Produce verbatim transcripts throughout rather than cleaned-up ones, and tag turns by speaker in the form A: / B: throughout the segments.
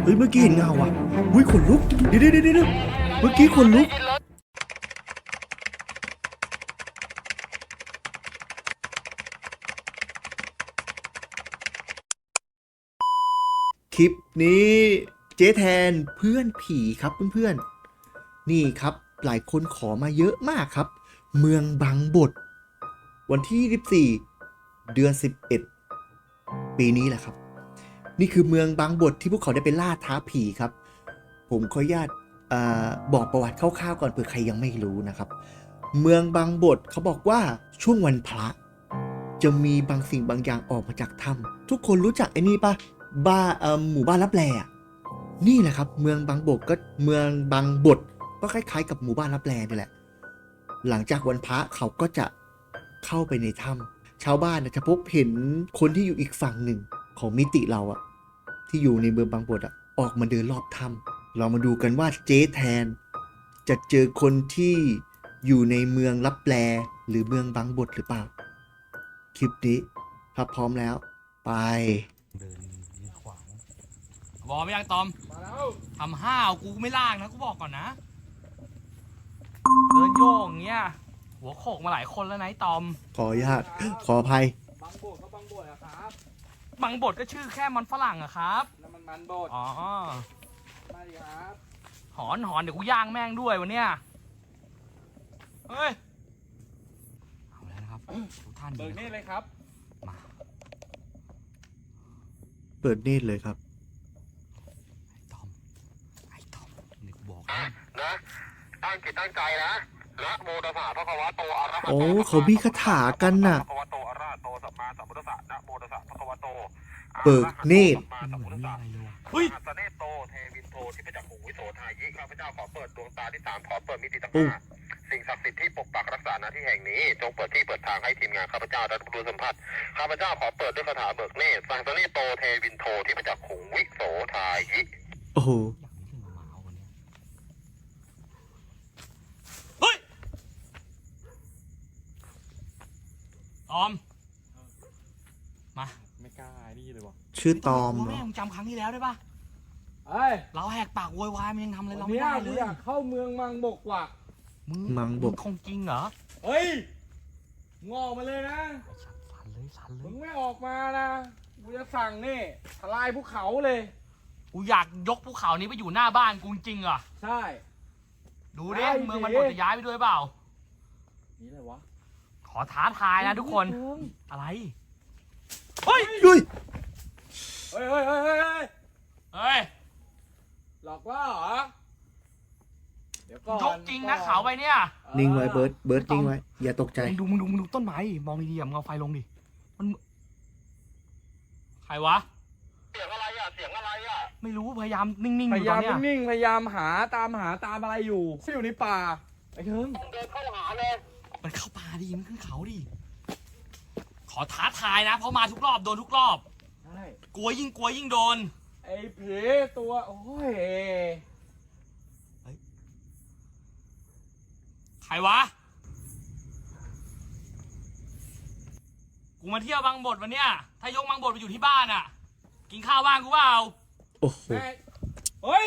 A: ฮ้ยเมื่อกี้เห็นเงาอ่ะอุ้ยขนลุกเดี๋ยวเดี๋ยวเดี๋ยวเมื่อกี้ขนลุกคลิปนี้เจ๊แทนเพื่อนผีครับเพื่อนๆนี่ครับหลายคนขอมาเยอะมากครับเมืองบางบดวันที่ยี่สิบสี่เดือนสิบเอ็ดปีนี้แหละครับนี่คือเมืองบางบดที่พวกเขาได้ไปล่าท้าผีครับผมขออนุญาตบอกประวัติคร่าวๆก่อนเผื่อใครยังไม่รู้นะครับเมืองบางบดเขาบอกว่าช่วงวันพระจะมีบางสิ่งบางอย่างออกมาจากถ้ำทุกคนรู้จักไอ้นี่ปะบ้าหมู่บ้านลับแลนี่แหละครับเมืองบางบดก็เมืองบางบดก็คล้ายๆกับหมู่บ้านลับแลนี่แหละหลังจากวันพระเขาก็จะเข้าไปในถ้ำชาวบ้านจะพบเห็นคนที่อยู่อีกฝั่งหนึ่งของมิติเราอะที่อยู่ในเมืองบางบดอะออกมาเดินรอบถ้ำเรามาดูกันว่าเจ๊แทนจะเจอคนที่อยู่ในเมืองลับแลหรือเมืองบางบดหรือเปล่าคลิปนี้ถ้าพร้อมแล้วไป
B: เดินขวางบอกไม่ยังตอมมาแล้วทำห้าวกูไม่ล่างนะกูบอกก่อนนะเดินโยกอย่างเงี้ยหัวโขกมาหลายคนแล้วนะไอ้ตอม
A: ขออนุญาตขออภัย
C: บางบดก็บางบดอะครับ
B: บางบดก็ชื่อแค่มันฝรั่งอะครับ
C: แล้วมันมันบด
B: อ๋อ
C: มาดิครับ
B: หอนหอนเดี๋ยวกูย่างแม่งด้วยวันเนี้ยเฮ้ยเอาแล้วนะครับทุกท่าน
C: เบิกนี่เลยครับ
B: มา
A: เปิดเนตรเลยครับ
B: ไอ้ตอมไอ้ตอมนี่กูบอก
D: นะนะตั้งจิตตั้งใจนะนะโมตัสสะภะคะวะโตอะระหะโต
A: โอ้เขามีคาถากันน่ะ
D: ภะคะวะโตอะระหะโตสัมมาสัมพุทธัสสะนะโมตัสสะภะคะวะโต
A: เปิดเนตร
D: เฮ้ยสเนโตเทวินโทที่พระจักขุวิโสทายิข้าพเจ้าขอเปิดดวงตาที่สามขอเปิดมิติทั้งห้าสิ่งศักดิ์สิทธิ์ที่ปกปักรักษาณที่แห่งนี้จงเปิดที่เปิดทางให้ทีมงานข้าพเจ้าได้รับรู้สัมผัสข้าพเจ้าขอเปิดด้วยคาถาเบิกเนตรสังสเนโตเทวินโทที่พระจักขุวิโสทายิ
A: โอ้โห
B: เฮ้ยตอมมา
C: ไม่กล้านี่เลยวะ
A: ชื่อตอมเหรอ
B: แม่งจำครั้งที่แล้วได้ปะ
C: เฮ้ย
B: เราแหกปากโวยวายมันยังทำอะไรเรา
C: ไม่
B: ได้เลย
C: อยากเข้าเมืองมังบกว่ะ
B: มึง
A: มังบก
B: คงจริงเหรอ
C: เฮ้ยงอมาเลยนะ
B: สั่นเลยสั่นเลย
C: มึงไม่ออกมานะกูจะสั่งนี่ทลายภูเขาเลย
B: กูอยากยกภูเขานี้ไปอยู่หน้าบ้านกูจริงเหรอ
C: ใช่
B: ดูดิเมืองมันบดจะย้ายไปด้วยเปล่า
C: นี่อะไรวะ
B: ขอท้าทายนะทุกคนอะไรเฮ้ย
A: เฮ้ย
C: เฮ้ยเฮ้ยเฮ้ยเฮ้ย
B: เฮ้ย
C: หลอกว่าเหรอเดี๋ยวก่อน
B: ยกจริงนะเขาไปเนี่ย
A: นิ่งไว้เบิร์ดเบิร์ดนิ่งไว้อย่าตกใจ
B: มึงดูมึงดูมึงดูต้นไม้มองดีๆมึงเอาไฟลงดิมันใครวะ
D: เสียงอะไรอ่ะเสียงอะไรอ่ะ
B: ไม่รู้พยายามนิ่งๆอ
C: พยายาม
B: นิ่
C: งๆพยายามหาตามหาตามอะไรอยู่ที่อยู่ในป่าไอ้เถิง
D: เดินเข้าหาเลย
B: มันเข้าป่าดิมันขึ้นเขาดิขอท้าทายนะเพราะมาทุกรอบโดนทุกรอบ
C: ใช่
B: กลัวยิ่งกลัวยิ่งโดน
C: ไอ้ผีตัวโอ้ย
B: ใครวะกูมาเที่ยวบางบดวันเนี้ยถ้ายกบางบดไปอยู่ที่บ้านอ่ะกินข้าวบ้างกูเปล่า
A: โอ้โห
C: เฮ้ย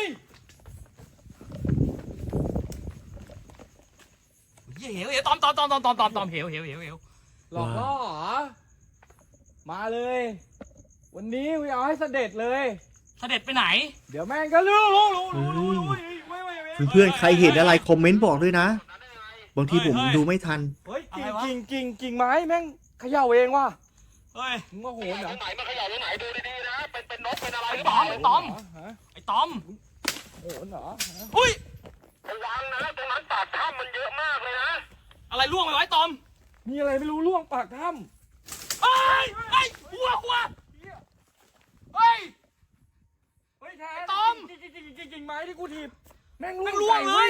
B: เหี้ยเหวเหวตอมตอมตอมตอมตอมตอมตอมเหวเหวเหวเหว
C: หลอกล่อเหรอมาเลยวันนี้กูเอาให้เสด็จเลย
B: เสด็จไปไหน
C: เดี๋ยวแม่งก็รู้รู้รู้รู้รู้
A: เพื่อนๆใครเห็นอะไรคอมเมนต์บอกด้วยนะบางทีผมดูไม่ทัน
C: เฮ้ยกิ่งกิ่งกิ่งไม้แม่งเขย่าเองว่ะ
B: เฮ้ย
C: มึงมาโหนเหรอ
D: ไหนมาเขย่าตรงไหนดูดีๆนะเป็นเป็นนกเป็นอะไร
B: ไอ้ตอมไอ้ตอมไอ้ตอม
C: โหนเหรอ
B: อุ้ย
D: ระวังนะตรงนั้นปากถ้ำมันเยอะมากเลยนะ
B: อะไรล่วงไปไว้ตอม
C: มีอะไรไม่รู้ล่วงปากถ้
B: ำเฮ้ยเฮ้ยหัวหัวเฮ้ย
C: เฮ้ยแทน
B: ตอม
C: กิ่งกิ่งกิ่งกิ่งไม้ที่กูถีบแม่ง
B: ล่วงเลย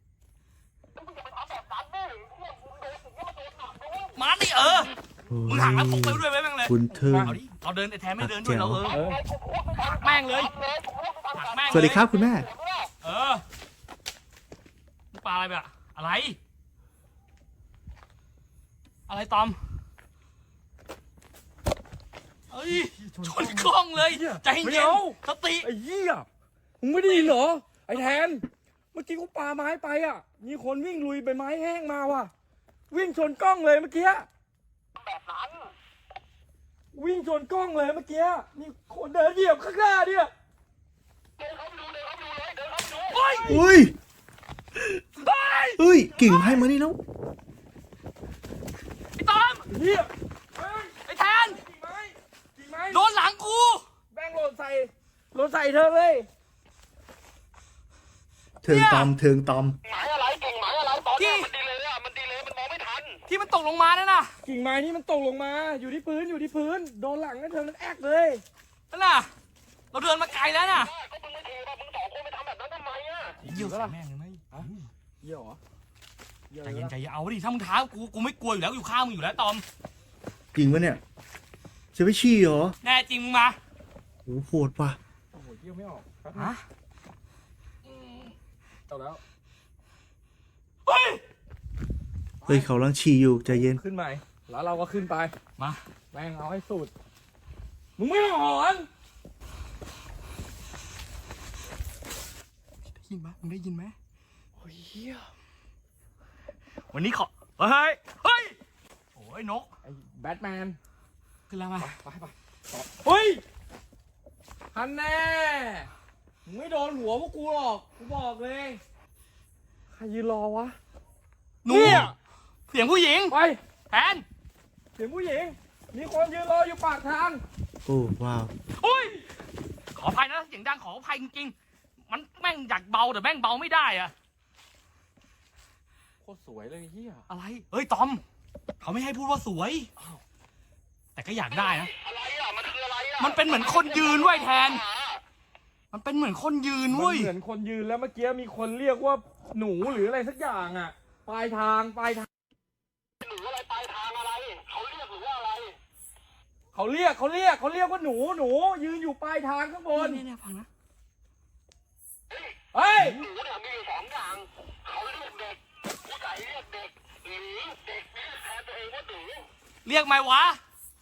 B: มาดิเออมึงหักแล้วตกไปด้วยไหมแม่งเลย
A: คุณเทิง
B: เอาดิเราเดินแต่แทนไม่เดินด้วยเราเออแม่งเลย
A: สวัสดีครับคุณแม่
B: เออปลาอะไรแบบอะไรอะไรตอมเอ้ยชนกล้องเลยใจเย็นสติ
C: ไอ้เหี้ยมึงไม่ได้ยินเหรอไอ้แทนเมื่อกี้กูปาไม้ไปอ่ะมีคนวิ่งลุยใบไม้แห้งมาว่ะวิ่งชนกล้องเลยเมื่อกี้แบบนั้นวิ่งชนกล้องเลยเมื่อกี้มีคนเดินเหยียบข้างหน้าเนี่ยเดินเข้าไปดูเดินเข้าไปดูเลยเดินเข้าไปดูโอ้ย
A: อุ้ยเฮ้ยกิ่งไม้มานี่แล้ว
B: ไอ้ตอม
C: เฮีย
B: ไอ้แทน
C: กิ่งไม้กิ่งไม้
B: โดนหลังกู
C: แบงหล่นใส่หล่นใส่เธอเลย
A: เทิงตอมเทิงตอม
D: หมายอะไรเก่งหมายอะไรตอนเนี้ยมันดีเลยอ่ะมันดีเลยมันมองไม่ทัน
B: ที่มันตกลงมานั่นน่ะ
C: กิ่งไม้นี่มันตกลงมาอยู่ที่พื้นอยู่ที่พื้นโดนหลังนั่นเธอมันแอกเลย
B: นั่นน่ะ เราเดินมาไกลแล้วน่ะ
D: ก็มึงไม่ถูกอ่ะมึงสองคนไปทำแบบนั้นทำไมอ่ะ
B: เยี่ยวใส่แม่งเลยไหม
C: เหี้ยเหรอเหี้ย
B: ใจ
C: อะไร
B: เย็น
C: วะ
B: ใจเย็นเอาดิถ้ามึงท้ากูกูไม่กลัวอยู่แล้วอยู่ข้างมึงอยู่แล้วตอม
A: จริงปะเนี่ยจะไปชี้เหรอ
B: แน่จริงมึงมา
A: โหโหดป่ะ
C: โอ้โหเยี่ยไม่ออกครับ
B: ฮะ
C: เอาแล้ว
B: เฮ้ย
A: เฮ้ยเขาลังฉี่อยู่ใจเย็น
C: ขึ้นใหม่แล้วเราก็ขึ้นไป
B: มา
C: แม่งเอาให้สุดมึงไม่หอน
B: ได้ยินไหมมึงได้ยินไหม
C: โอ้ยเหี้ย
B: วันนี้ขอเฮ้ยเฮ้ยโอ้ยนก
C: ไอ้แบทแมน
B: ขึ้นแล้วมา
C: ไปไปต่อเฮ้ยฮันแน่มึงไม่โดนหัวพวกกูหรอกกูบอกเลยใครยืนรอวะ
B: หนูเสียงผู้หญิง
C: ไป
B: แทน
C: เสียงผู้หญิงมีคนยืนรออยู่ปากทาง
A: โอ้ว้าว
B: อุ้ยขออภัยนะเสียงดังขออภัยจริงๆมันแม่งอยากเบาแต่แม่งเบาไม่ได้อะ
C: โคตรสวยเลยเฮีย
B: อะไรเอ้ยตอมเขาไม่ให้พูดว่าสวยแต่ก็อยากได้นะ
D: อะไรอ่ะมันคืออะไรอ่ะ
B: มันเป็นเหมือนคนยืนเว้ยแทน มันเป็นเหมือนคนยืน
C: มัน
B: เว้ย
C: เหมือนคนยืนแล้วเมื่อกี้มีคนเรียกว่าหนูหรืออะไรสักอย่างอ่ะปลายทางปลายทาง
D: หรืออะไรปลายทางอะไรเขาเรียกหรือว่าอะไร
C: เขาเรียกเขาเรียกเขาเรียกว่าหนูหนูยืนอยู่ปลายทางข้างบน
B: เนี่ยเนี่ยฟังนะ
C: เฮ้ย
D: หนูเนี่ยมีอยู่สองอย่างเขาเรียกเด็กผู้ใหญ่เรียกเด็กหรือเด็กเรียกแทนตัวเองว่าหนู
B: เรียกไหมวะ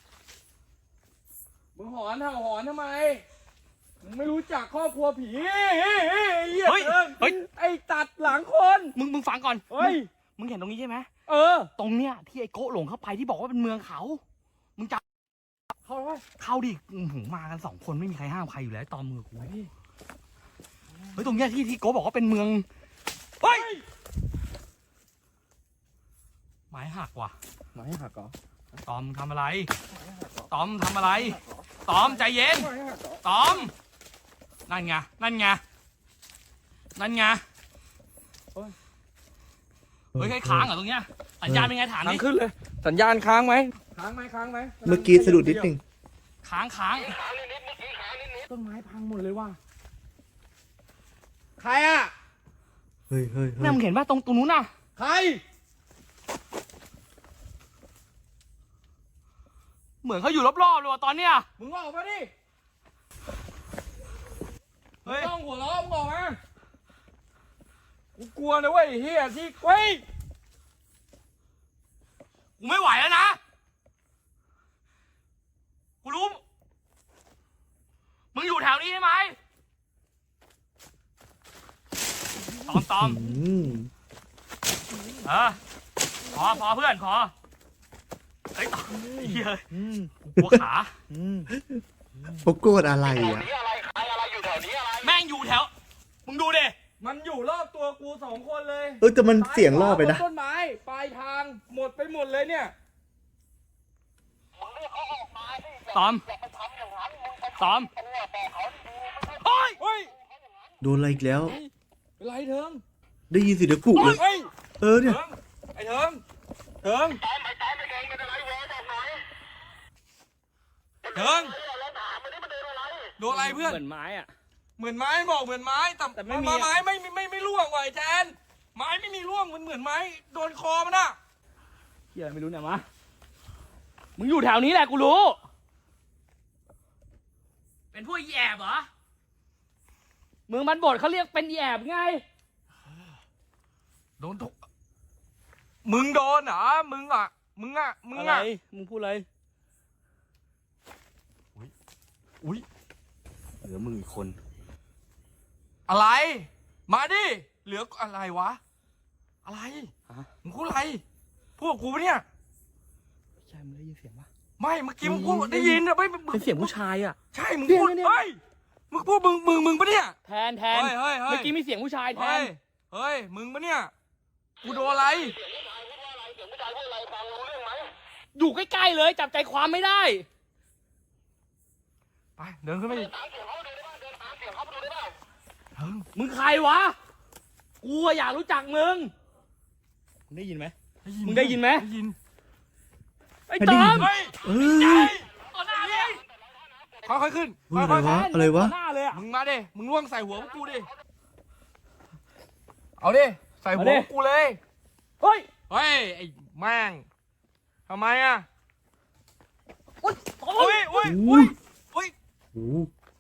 C: มึงหอนเห่าหอนทำไมมึงไม่รู้จักครอบครัวผีเฮ้ย
B: เฮ้ย
C: เฮ้ย
B: เฮ้ย
C: ไอ้ตัดหลังคน
B: มึงมึงฟังก่อน
C: เฮ้ย
B: มึงเห็นตรงนี้ใช่ไหม
C: เออ
B: ตรงเนี้ยที่ไอ้โกะหลงเข้าไปที่บอกว่าเป็นเมืองเขา มึงจับ
C: เข้าไป
B: เข้าดิอื้อหูมากันสองคนไม่มีใครห้ามใครอยู่แล้วตอมมือกูเฮ้ยตรงเนี้ยที่ที่โกะบอกว่าเป็นเมืองเฮ้ยไม้หักว่ะ
C: ไม้หักเหรอ
B: ตอมทำอะไร ตอมทำอะไร ตอมใจเย็น
C: ไม้หักเหรอ
B: ตอม นั่นไง นั่นไง นั่นไง เฮ้ยใครค้างเหรอตรงเนี้ย สัญญาณเป็นไงถาม
C: ค้า
B: ดิ
C: งขึ้นเลย สัญญาณค้างไหมค้างไหมค้างไหม
A: เมื่อกี้สะดุดนิดนึง
B: ค้างค้าง
D: ขานิดๆเมื่อกี้ขานิด
C: ต้นไม้พังหมดเลยว่ะใครอ่ะ
A: เฮ้ยเฮ้ยเฮ้
B: แม่
A: ย
B: มึงเห็นป่ะตรงตรงนู้นน่ะ
C: ใคร
B: เหมือนเขาอยู่รอบๆเลยว่ะตอนเนี้ย
C: มึงออกมาดิ
B: เฮ้ย
C: ต้องหัวเราะมึงออกมากูกลัวนะเว้ยไอ้เฮียที่เว้ย
B: กูไม่ไหวแล้วนะ กูรู้ มึงอยู่แถวนี้ใช่ไหมตอมตอม
A: อืม
B: เออพอพอเพื่อนพอเฮ้ยตอมไอ้เหี้ยกูกลัวขา
A: โปโกดอะไร
D: ๆแถว
A: อ่ะ
D: นี้อะไรใครอะไรอยู่แถวนี้อะไร
B: แม่งอยู่แถว มึงดูดิ
C: มันอยู่รอบตัวกูสองคนเลย
A: เออแต่มันเสียงล่อไปนะ
C: ต้นไม้ปลายทางหมดไปหมดเลยเนี่ย
D: มึงเรียกเขาออกมาสิ
B: ตอม
D: อย่าไปทำอย่างนั้นมึงไป
B: ตอม
D: ตัวบอกเขาดีๆไม่ใช่
B: เฮ้ย
C: เฮ้ย
A: โดนอะไรอีกแล้ว
C: เป็นไรเถิง
A: ได้ยินเสียงเดี๋ยวปลุกเลย
C: เฮ้ย
A: เออเนี่ย
C: เถิงไอ้เถิงเถิง
D: ตามไปตามไปเองเป็นอะไรวะบอกหน่อย
C: เถิง
D: เฮ้ยเราถามมันนี่มันเดินอะไร
C: โดนอะไรเพื่อน
B: เหมือนไม้อะ
C: เหมือนไม้บอกเหมือนไม้แต่
B: แต่ไม่มี
C: ไม้ไม่ไม่ไม่ไม่ร่วงว่ะไอ้แทนไม้ไม่มีร่วงมันเหมือนไม้โดนคอมันอะ
B: เฮียไม่รู้เนี่ยมามึงอยู่แถวนี้แหละกูรู้ เป็นพวกอีแอบเหรอ เมืองบันบดเขาเรียกเป็นอีแอบไง
C: โดนทุกมึงโดนเหรอมึงอ่ะมึงอ่ะมึง
B: อะไร
C: อ่ะ
B: มึงพูดอะไร อุ้ย อุ้ย เหลือมึงอีกคนอะไร มาดิ เหลืออะไรวะ อะไร
C: ฮะ
B: มึงพูดอะไร พูดกับกูปะเนี่ย
C: ใช่มึงได้ยินเสียงปะ
B: ไม่ เมื่อกี้มึงพูดได้ยินอะไม่มึง
C: เป็นเสียงผู้ชายอ่ะ
B: ใช่ มึงพูด
C: เนี่ยเนี่ย
B: เฮ้ย มึงพูดมึงมึงมึงปะเนี่ย
C: แทนแทน
B: เฮ้ยเฮ้ยเฮ้ย
C: เมื่อกี้มีเสียงผู้ชายแท
B: เฮ้
C: น
B: ย เฮ้ย มึงปะเนี่ย กูโดนอะไร
C: อยู่ใกล้ๆเลยจับใจความไม่ได้
B: ไป เดินขึ้นไปอีกเฮ้ย
C: มึงใครวะ กูอะอยากรู้จักมึง มึงได้ยินไหม มึงได้ยินไหม
B: ได้ยิน
C: ไอ้
A: ไม่
C: ต
A: ได้
C: อ
A: ยิ
C: ม
A: น
B: เฮ้ย
A: เอ
B: ใจ
A: อ
C: ต่อหน้าเลย
B: ค่อยๆขึ้น
A: เฮ้ย
B: ค่อยๆ
A: อะไรวะ
C: ต่อหน้าเลยอะ
B: มึงมาดิ มึงล่วงใส่หัวพวกกูดิ เอาดิ ใส่หัวพวกกูเลย
C: เฮ้ย
B: เฮ้ย ไอ้แม่งทำไมอ่ะ
C: อุ๊ยตอม
B: อุ้ยอุ้ย
A: อุ้
B: อุ้
A: ย
B: ยอุ้ย
A: โอ้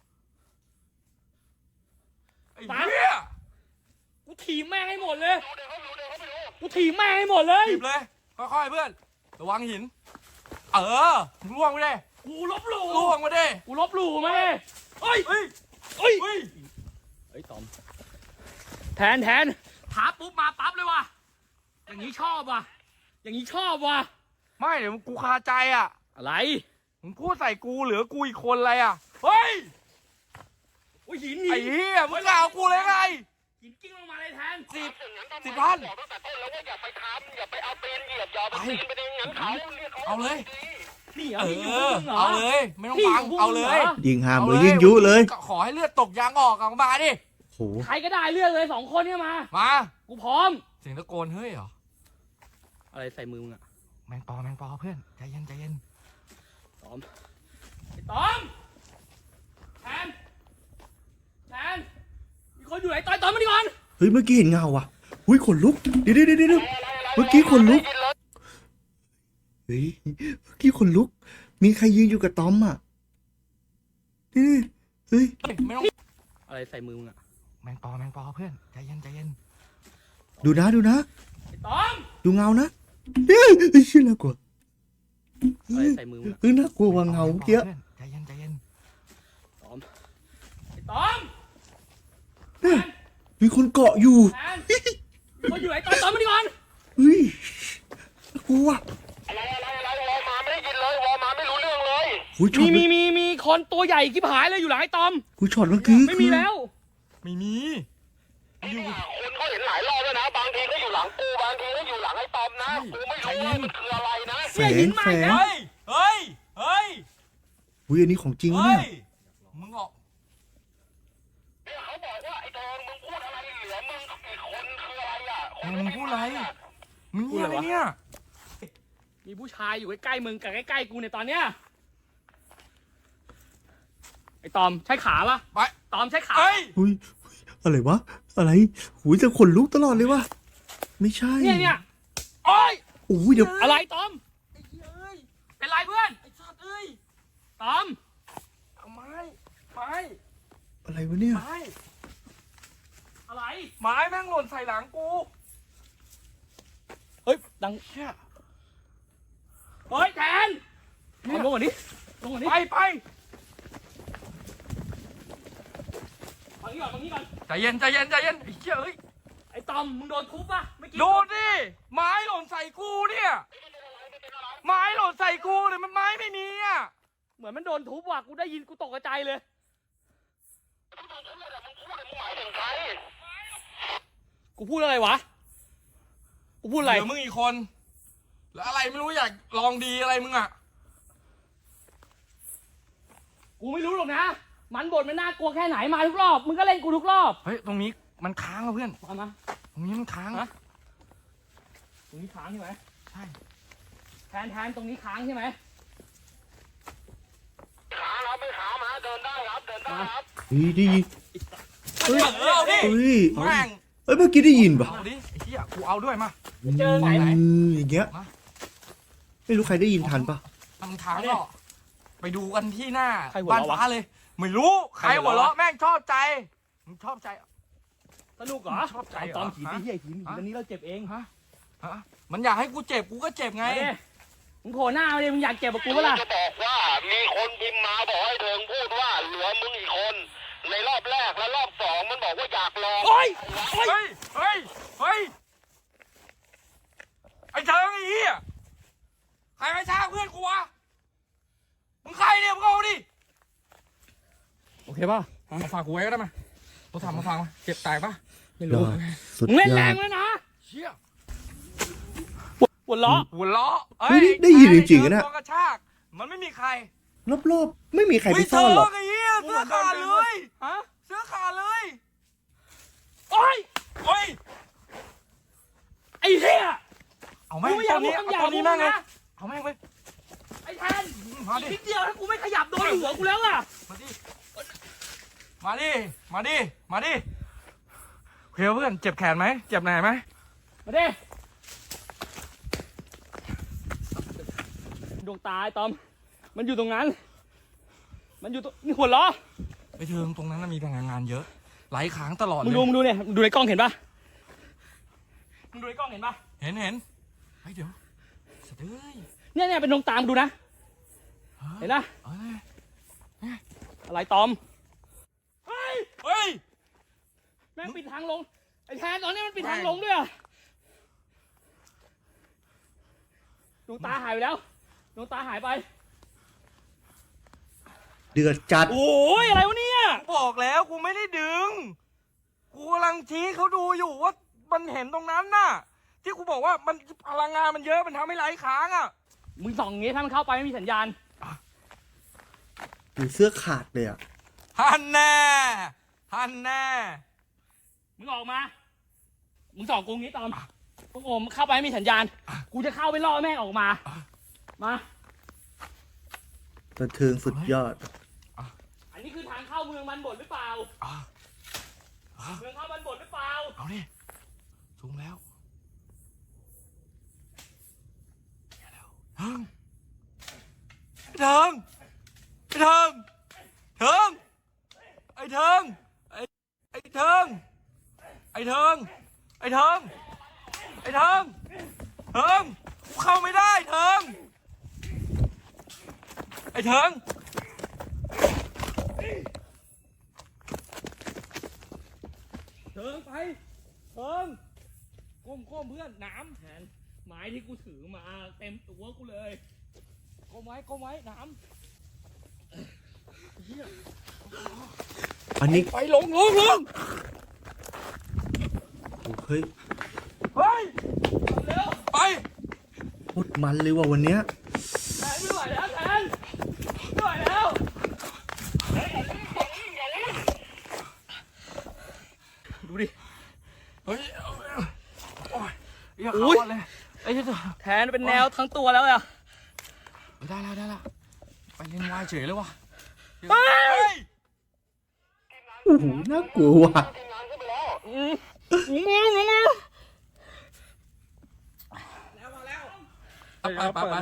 B: ไอ้เหี้ย
C: กูถีบแม่งให้หมดเลย กูถีบแม่งให้หมดเลย
B: หยิบเลย ค่อยๆเพื่อน ระวังหิน เออมึงล่วงไปดิ
C: กูลบหลู่
B: ล่วงมาดิ
C: กูลบหลู่ไหมเฮ้ย
B: เฮ้ย
C: เฮ้ย
B: เฮ้ย
C: เฮ้ยตอม แทนแทนท้าปุ๊บมาปั๊บเลยว่ะ อย่างนี้ชอบว่ะ อย่างนี้ชอบว่ะ
B: ไม่เดี๋ยวกูคาใจอ่ะ
C: อะไร
B: มึงพูดใส่กูเหลือกูอีกคนอะไรอ่ะ เฮ้ย
C: โอ้ยหิน
B: ไอ้
C: หิน
B: เหี้ยมึงจะเอากูเลยไง
C: หินกิ้งลงมาเลยแทน
B: สิบสิบพัน
D: บอกตั้งแต่ต้นแล้วว่าอย่าไปทำอย่าไปเอาตีนเหยียบอย่าเอาไปตีนไปในงั้นเขาเรียกเขา
B: เอาเลย
C: นี่เหร
B: เอ
C: อนี่อยู่
B: อ
C: มึงเหรอ
B: เอาเลย ไม่ต้อง
C: พี่
B: ฟัง
C: อยู่
B: เอาเลย
C: มึงเหรอ
A: ยิงหามเลยยิงยุเลย
B: ขอให้เลือดตกยางออกออกมาดิ
A: โห
C: ใครก็ได้เลือกเลยสองคนเนี่ยมา
B: มา
C: กูพร้อม
B: เสียงตะโกนเฮ้ยเหรอ
C: อะไรใส่มือมึงอะ
B: แมงปอแมงปอเพื่อน ใจเย็นใจเย็น
C: ตอมไอ้ตอมแทนแทนมีคนอยู่ไหนต่อยตอมมาดิก่อน
A: เฮ้ยเมื่อกี้เห็นเงาว่ะหุ้ยขนลุกเดี๋ยวเดี๋ยวเดี๋ยวเดี๋ยวเมื่อกี้ขนลุกเฮ้ยเมื่อกี้ขนลุก มีใครยืนอยู่กับตอมอ่ะนี่เฮ้ย
B: เฮ้ยไม่ต้อง
C: อะไรใส่มือมึงอะ
B: แมงปอแมงปอเพื่อน ใจเย็นใจเย็น
A: ดูนะดูนะ
C: ไอ้ตอม
A: ดูเงานะเฮ้ยเฮ้ยเชื่อแล้วกว่า
C: อะไรใส่มือมึงอะ
A: เฮ้ยน่ากลัวกว่าเงาเมื่อกี้
B: พื่อนใจเย็นใจเย็น
C: ตอมไอ้ตอม
A: เนี่ยมีคนเกาะอยู่
C: แทนมีคนอยู่ไหนต่อยตอมมาดิก่อน
A: เฮ้ยน่ากลัว
D: อะไรอะไรอะไรวอมาไม่ได้ยินเลยวอมาไม่รู้เรื่องเลย
A: หุ้ยช็อ
C: มี
A: ต
C: มีมีมีคนตัวใหญ่กิ๊บหายเลยอยู่หลังไอ้ตอม
A: หุ้ยช็อตเมื่อกี้
C: ไม่มีแล้ว
B: ไม่มี อยู่
D: คนเขาเห็นหลายรอบแล้วนะบางทีก็อยู่หลังกูบางทีก็อยู่หลังไอ้ตอมนะกูไม่รู้ว่ามันคืออะไรนะ
A: แสงแสง
B: เฮ้ย เฮ้ย เฮ้ย
A: หุ้ยอันนี้ของจริงวะ
B: เฮ้
A: เนี่ย
B: ย มึงออก
D: เนี่ยเขาบอกว่าไอ้ทองมึงพูดอะไรเหลือมึงอีกคนคืออะไรอ่ะค
B: เฮ้
D: น
B: ยมึงพูดอะไร มึงเหี้ยอะไรเนี่ย
C: มีผู้ชายอยู่ใกล้ๆมึงกับใกล้ๆกูในยตอนเนี้ยไอ้ตอมใช้ขาปะ
B: ไป
C: ตอมใช้ขา
B: เฮ้ย
A: หุ้ยหุ้ยอะไรวะอะไรหุ้ยจะขนลุกตลอดเลยวะไม่ใช่
C: เนี่ยเนี่ยโอ้ย
A: โอ้ยเดี๋ยว
C: อะไรตอม
B: ไอ้เหี้ยเอ้ย
C: เป็นไรเพื่อน
B: ไอ้สัตว์เอ้ย
C: ตอม
B: เอาไม้ ไม้
A: อะไรวะเนี่ย
B: ไม้
C: อะไร
B: ไม้แม่งหล่นใส่หลังกู
C: เฮ้ยดัง
B: เชี่ย
C: เฮ้ยแทนตอมลงก่อนดิลงก่อนดิ
B: ไปไป
C: ฝั่งนี้ก่อนฝั่งนี้ก่อน
B: ใจเย็นใจเย็นใจเย็นไอ้เชี่ยเอ้ย
C: ไอ้ตอมมึงโดนทุบปะเมื่อกี้
B: โดนดิ ไม้หล่นใส่กูเนี่ย ไม้หล่นใส่กูเลยมันไม้ไม่มีอ่ะ
C: เหมือนมันโดนทุบว่ะกูได้ยินกูตกใจเลย กูพูดอะไรวะ กูพูดอะไร
B: เหลือมึงอีกคน แล้วอะไรไม่รู้อยากลองดีอะไรมึงอ่ะ
C: กูไม่รู้หรอกนะ มันบทมันน่ากลัวแค่ไหนมาทุกรอบ มึงก็เล่นกูทุกรอบ
B: เฮ้ย ตรงนี้มันค้างอ่ะเพื่อน
C: ตามมา
B: ตรงนี้มันค้าง
C: ฮะ ตรงนี้ค้างใช่ไหม
B: ใช่
C: แทนแทนตรงนี้ค้างใช่ไหม
D: ขาครับไม่ขามาเดินได้ครับเดินได้ครับ
A: เฮ้ยได้ยิน
B: เฮ้ยเอาดิ
A: เฮ้ยเอา
B: แม่ง
A: เอ้ยเมื่อกี้ได้ยินปะ
B: เอาดิไอ้เหี้ยกูเอาด้วยมา
C: เจอไหนไหน
A: อืมอย่างเงี้ย
B: มา
A: ไม่รู้ใครได้ยินทันปะ
B: ทางทางก็ไปดูกันที่หน้า
C: ใครหัว
B: บ้าน
C: เราะวะ
B: ฟ้าเลย ไม่รู้ ใครหัวเราะแม่งชอบใจ มึงชอบใจ
C: สนุกเหรอ
B: ชอบใจเหรอ
C: ตอมขีด
B: ฮะ
C: ที่เหี้ยขีดขีดอันนี้เราเจ็บเอง
B: ฮะฮะมันอยากให้กูเจ็บกูก็เจ็บไง
C: มาดิมึงโผล่หน้ามาดิมึงอยากเจ็บกับกูปะล่ะ
D: จะบอกว่ามีคนพิมพ์มาบอกให้เทิงพูดว่าเหลือมึงอีกคน ในรอบแรกและรอบสองมันบอกว่าอยากลอง
C: โอ้ย
B: เฮ้ย เฮ้ย เฮ้ย ไอ้เชิงไอ้เหี้ยใครมาช้าเพื่อนกูวะ มึงใครเนี่ยมึงเอาดิ โอเคป่ะมาฝากกูไว้ก็ได้มาโทรศัพท์มาฝากมาเจ็บตายป่ะ ไม่
A: ย
B: รู้
A: อดสุด
C: มึงเล่น
A: ย
C: แร
A: อด
C: งเลยนะ
B: เชี่ย
C: หัวล้อ
B: หัวล้อ
A: เฮ้ยได้ยินจริงๆอะเนี่ย
B: ตัวกระชาก มันไม่มีใคร
A: รอบๆไม่มีใครไปซ่อนหรอก
B: เฮ้ยเธไอ้เหี้ยเสื้อขาดเลย
C: ฮะ
B: เสื้อขาดเลย
C: โอ้ย
B: โอ้ย
C: ไอ้เหี้ย
B: เอาแม่ง
C: กูไม่อยาก
B: ตอนนี้
C: พูดคำหยาบ
B: ตอนนี้แม่ง
C: มึ
B: เล
C: ง
B: ย
C: นะ
B: เอาแม่งไป
C: ไอ้แทน
B: มาดิ
C: นิดเดียวถ้ากูไม่ขยับโดนหัวกูแล้วอ่ะ
B: มาดิ มาดิ มาดิ มาดิเฮ้ยเพื่อนเจ็บแขนไหม เจ็บไหนไหม
C: มาดิดวงตาไอ้ตอม มันอยู่ตรงนั้น มันอยู่ตรงนี่หัวล้อ
B: ไปเทิงตรงนั้นนะมีพลังงานเยอะ ไหลค้างตลอด
C: มึง
B: เล
C: ดู
B: ย
C: มึงดูเนี่ยมึงดูในกล้องเห็นปะมึงดูในกล้องเห็นปะ
B: เห็นเห็นเฮ้ยเดี๋ยวสะดือย
C: เนี่ยเนี่ยเป็นดวงตามงดูนะ เห็นนะ
B: เอ้ย
C: อะไรตอม เฮ้ย
B: เฮ้ย
C: แม่งปิดทางลง ไอ้แทนตอนนี้มันปิดทางลงด้วยอะดวงตาหายไปแล้ว ดวงตาหายไป
A: เดือดจัด
C: โอ้ยอะไรวะเนี่ย
B: บอกแล้วกูไม่ได้ดึง กูกำลังชี้เขาดูอยู่ว่ามันเห็นตรงนั้นน่ะ ที่กูบอกว่ามันพลังงานมันเยอะมันทำให้ไหลค้างอ่ะ
C: มึงส่องอย่างงี้ถ้ามันเข้าไปไม่มีสัญญาณ
A: ดูเสื้อขาดเลยอ่ะ
B: ฮันแน่ฮันแน่
C: มึงออกมา มึงส่องกูงี้ตอมกูโอมเข้าไปไม่มีสัญญาณ กูจะเข้าไปล่อแม่งออกมา มา
A: บันเทิงสุดยอด
C: อันนี้คือทางเข้าเมืองมันบดหรือเปล่า
B: อ่ะอ่ะ
C: เมืองเข้ามันบดหรือเปล่า
B: เอาดิสูงแล้วเดี๋ยวแล้วเทิงเทิงไอ้เทิงเทิงไอ้เทิงไอ้ไอ้เทิงไอ้เทิงไอ้เทิงไอ้เทิงเทิงกูเข้าไม่ได้เทิงไอ้เทิง
C: เถิงไปเถิงก้มก้มเพื่อนน้ำแทนไม้ที่กูถือมาเต็มตัวกูเลยก้มไว้ก้มไว้น้
A: อันนี้
B: ไปลงลงลง
A: เฮ้ย
B: เฮ้ย
C: ำเร็ว
B: ไป
A: โคตรมันเลยว่ะวันเนี้ย
C: แทนไม่ไหวแล้วแทนไม่ไหวแล้ว
B: ดูดิ เฮ้ยโอ้ยอย่า
C: อุ๊
B: เข้าย เลยไอ้เจ้า
C: แทนเป็นแนวทั้งตัวแล้วอะ
B: ได้แล้วได้แล้วไปเล่นวายเฉยเลยว่ะ
C: เฮ้ย
A: โอ้โหน่ากลัวว่ะ
C: อืมงูงูงู
B: ไปไปไป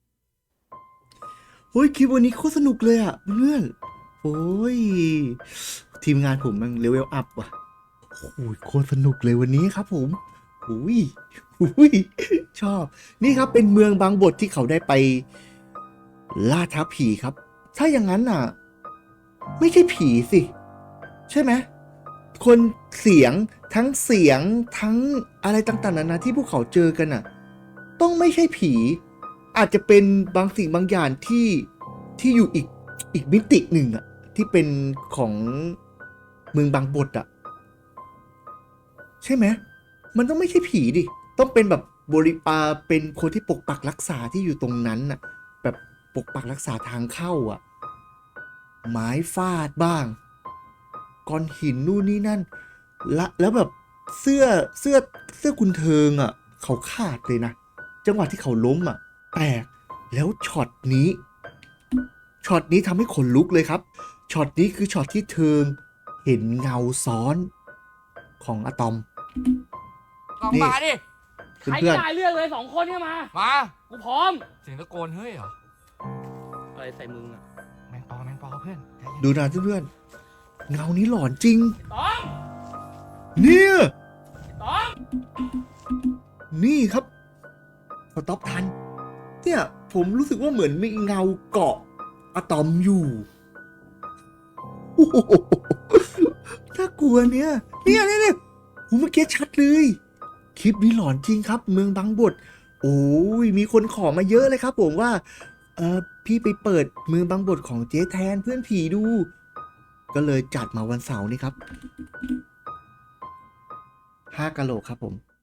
A: เฮ้ยคลิปวันนี้โคตรสนุกเลยอ่ะเพื่อนโอ้ยทีมงานผมมันเลเวลอัพว่ะโอ้ยโคตรสนุกเลยวันนี้ครับผมอุ้ยอุ้ยชอบ นี่ครับเป็นเมืองบางบทที่เขาได้ไปล่าท้าผีครับ ถ้าอย่างนั้นอ่ะ ไม่ใช่ผีสิ ใช่ไหมคนเสียงทั้งเสียงทั้งอะไรต่างๆนานาที่พวกเขาเจอกันอ่ะ ต้องไม่ใช่ผี อาจจะเป็นบางสิ่งบางอย่างที่ที่อยู่อีกอีกมิติหนึ่งอ่ะที่เป็นของเมืองบางบทอ่ะใช่ไหมมันต้องไม่ใช่ผีดิต้องเป็นแบบบริปาเป็นคนที่ปกปักรักษาที่อยู่ตรงนั้นอ่ะแบบปกปักรักษาทางเข้าอ่ะไม้ฟาดบ้างก้อนหินนู่นนี่นั่นละแล้วแบบเสื้อเสื้อเสื้อคุณเทิงอ่ะเขาขาดเลยนะจังหวะที่เขาล้มอ่ะแปลกแล้วช็อตนี้ช็อตนี้ทำให้ขนลุกเลยครับช็อตนี้คือช็อตที่เทิงเห็นเงาซ้อนของอะตอม
B: ลอง
A: นี่
B: มาดิ
C: ใคร
A: เพื่อน
C: จ่ายเรื่องเลยสองคนเนี่ยมา
B: มา
C: กูพร้อม
B: เสียงตะโกนเฮ้ยเหรอ
C: อะไรใส่มึงอะ
B: แมงปอแมงปอเพื่อนใจเย็น
A: ดูนะเพื่อนๆเงานี้หลอนจริง
C: ตอม
A: เนี่ย
C: ตอม
A: นี่ครับสต็อปทันเนี่ยผมรู้สึกว่าเหมือนมีเงาเกาะอะตอมอยู่โอ้โหน่ากลัวลัวเนี่ยเนี่ยเนี่ยเนี่ยโอ้เมื่อกี้ชัดเลยคลิปนี้หลอนจริงครับ เมืองบางบดโอ้ยมีคนขอมาเยอะเลยครับ ผมว่าเออพี่ไปเปิดเมืองบางบดของเจ๊แทนเพื่อนผีดู ก็เลยจัดมาวันเสาร์นี้ครับห้ากะโหลกครับผม